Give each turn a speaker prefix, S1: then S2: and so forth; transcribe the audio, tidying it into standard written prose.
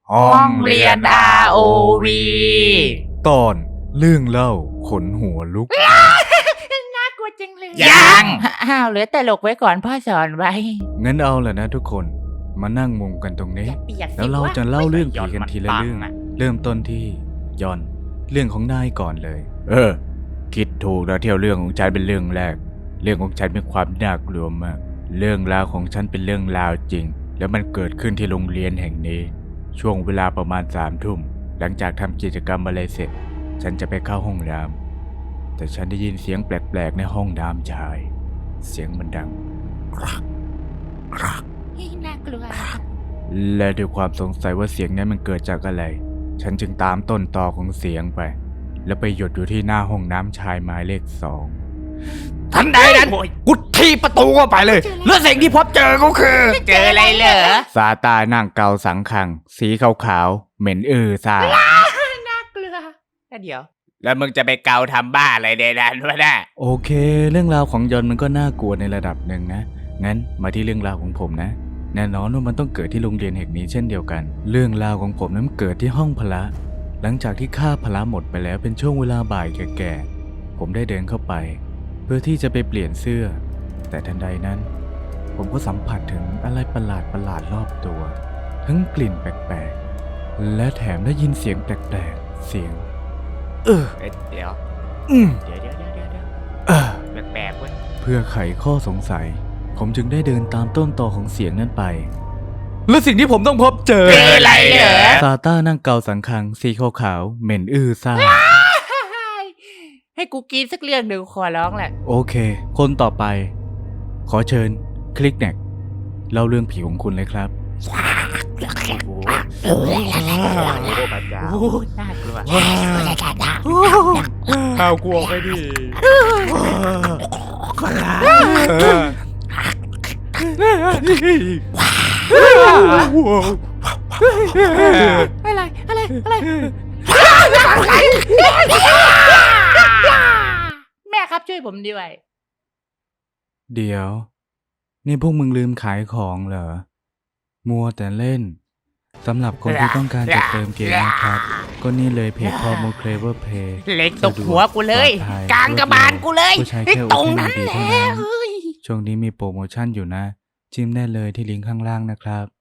S1: ห้องเรียน ROV
S2: ตอนเรื่องเล่าขนหัวลุก
S3: น่ากลัวจังเลย
S1: ยัง
S3: อ้าวเหลือแต่หลกไว้ก่อนพ่อสอนไว้
S2: งั้นเอาแหละนะทุกคนมานั่งมุงกันตรงนี้
S3: อย่าเปียกสิ
S2: แล้วเราจะเล่าเรื่องผีกันทีละ
S1: ไม่
S2: เรื่อง
S1: มันปังอะ
S2: เริ่มต้นที่ยอนเรื่องของนายก่อนเลย คิดถูกแล้วที่เอาเรื่องของฉันเป็นเรื่องแรก เรื่องของฉันมีความน่ากลัวมาก เรื่องราวของฉันเป็นเรื่องราวจริง แล้วมันเกิดขึ้นที่โรงเรียนแห่งนี้ ช่วงเวลาประมาณ3 ทุ่มหลังจากทำกิจกรรมอะไรเสร็จ ฉันจะไปเข้าห้องน้ำแต่ฉันได้ยินเสียงแปลกๆในห้องน้ำชาย เสียงมันดังกรักกรัก
S3: น่ากลัว
S2: และด้วยความสงสัยว่าเสียงนั้นมันเกิดจากอะไร ฉันจึงตามต้นตอของเสียงไป แล้วไปหยุดอยู่ที่หน้าห้องน้ำชายหมายเลข 2
S1: ทันใดนั้นกูทีประตูเข้าไปเลย แล้วสิ่งที่พบเจอก็คือ
S3: เจออะไรเหรอ
S2: ซาตานั่งเกาสังขัง สีขาวๆเหม็นซ่า
S3: น่ากลัวเดี๋ยว
S1: แล้วมึงจะไปเกาทำบ้าอะไรในนั้นวะน่ะ
S2: โอเค เรื่องราวของยอนมันก็น่ากลัวในระดับหนึ่งนะ งั้นมาที่เรื่องราวของผมนะ แน่นอนว่ามันต้องเกิดที่โรงเรียนแห่งนี้เช่นเดียวกัน เรื่องราวของผมนั้นเกิดที่ห้องพละ หลังจากที่ค่าพละหมดไปแล้วเป็นช่วงเวลาบ่ายแก่ๆผมได้เดินเข้าไป เพื่อที่จะไปเปลี่ยนเสื้อ แต่ทันใดนั้น ผมก็สัมผัสถึงอะไรประหลาดๆรอบตัว ทั้งกลิ่นแปลกๆและแถมได้ยินเสียงแปลกๆเสียง
S1: เดี๋ยว
S2: อืม
S1: เดี๋ยว
S2: เออ
S1: แปลกๆเว้ย
S2: เพื่อไขข้อสงสัย ผมจึงได้เดินตามต้นตอของเสียงนั้นไป และสิ่งที่ผมต้องพบเจอ
S1: เจออะไรเหรอ
S2: ซาต้านั่งเกาสังคังสีขาวๆเหม็นซ่า
S3: ให้กูกินสักเรื่องหนึ่งขอร้องแหละ
S2: โอเค คนต่อไป ขอเชิญคลิกแนกเล่าเรื่องผีของคุณเลยครับ
S1: โอ้โหพระเจ้า
S3: โอ้น่ากลัว
S1: เอากลัวไปดิ
S3: อะไรแม่ครับช่วยผมด้วย
S2: เดี๋ยว นี่พวกมึงลืมขายของเหรอ มัวแต่เล่น สำหรับคนที่ต้องการจะเติมเกมนะครับ ก็นี่เลยเพจพอโมเคลเวอร์เพย์
S3: เล็กตกหัวกูเลย กลางกระบาลกูเลย
S2: ผู้ใช้
S3: ไอ้
S2: แค่
S3: ตรง
S2: OpenID
S3: นั้นแหละ
S2: เท่านั้น
S3: เฮ้ย
S2: ช่วงนี้มีโปรโมชั่นอยู่นะ จิ้มได้เลยที่ลิงก์ข้างล่างนะครับ